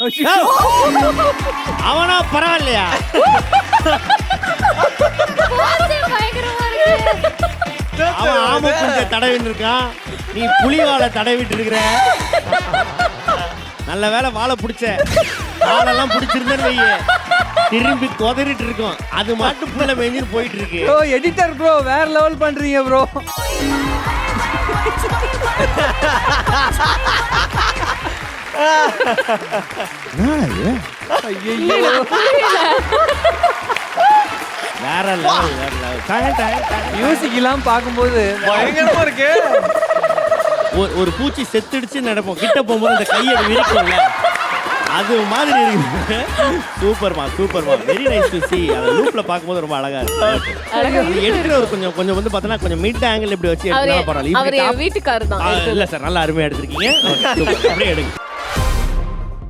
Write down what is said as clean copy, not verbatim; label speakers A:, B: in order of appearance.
A: அவனா பரவாயில்லையா? அவன் ஆம கொஞ்சம் தடவின்னு இருக்கான், நீ புலிவாலை தடவிட்டு இருக்கிற. நல்ல வேலை வாழை பிடிச்ச, வாழெல்லாம் பிடிச்சிருந்தேன்னு வையே திரும்பி கொதறிட்டு இருக்கோம். அது மட்டும் புள்ள மேஞ்சின்னு போயிட்டு இருக்கு.
B: ப்ரோ எடிட்டர் ப்ரோ வேற லெவல் பண்றீங்க ப்ரோ.
A: வேற லெவல் வேற லெவல்.
B: மியூசிக் எல்லாம் பார்க்கும்போது
C: பயங்கரமா இருக்கு.
A: ஒரு பூச்சி செத்துடுச்சு நடப்போம், கிட்ட போகும்போது அந்த கையை விரிக்கும்ல, அது மாதிரி இருக்கு. சூப்பர்மா சூப்பர்மா, வெரி நைஸ் டு see. அந்த லூப்ல பாக்கும்போது ரொம்ப அழகா இருக்கு. எடுக்கிற ஒரு கொஞ்சம் கொஞ்சம் வந்து பார்த்தா கொஞ்சம் மிட் ஆங்கிள் இப்படி வச்சு எடுத்தா பரவாயில்ல.
D: அவர் வீட்டுக்காரர் தான்.
A: இல்ல சார், நல்லா அருமையா எடுத்திருக்கீங்க. அப்படியே எடுங்க.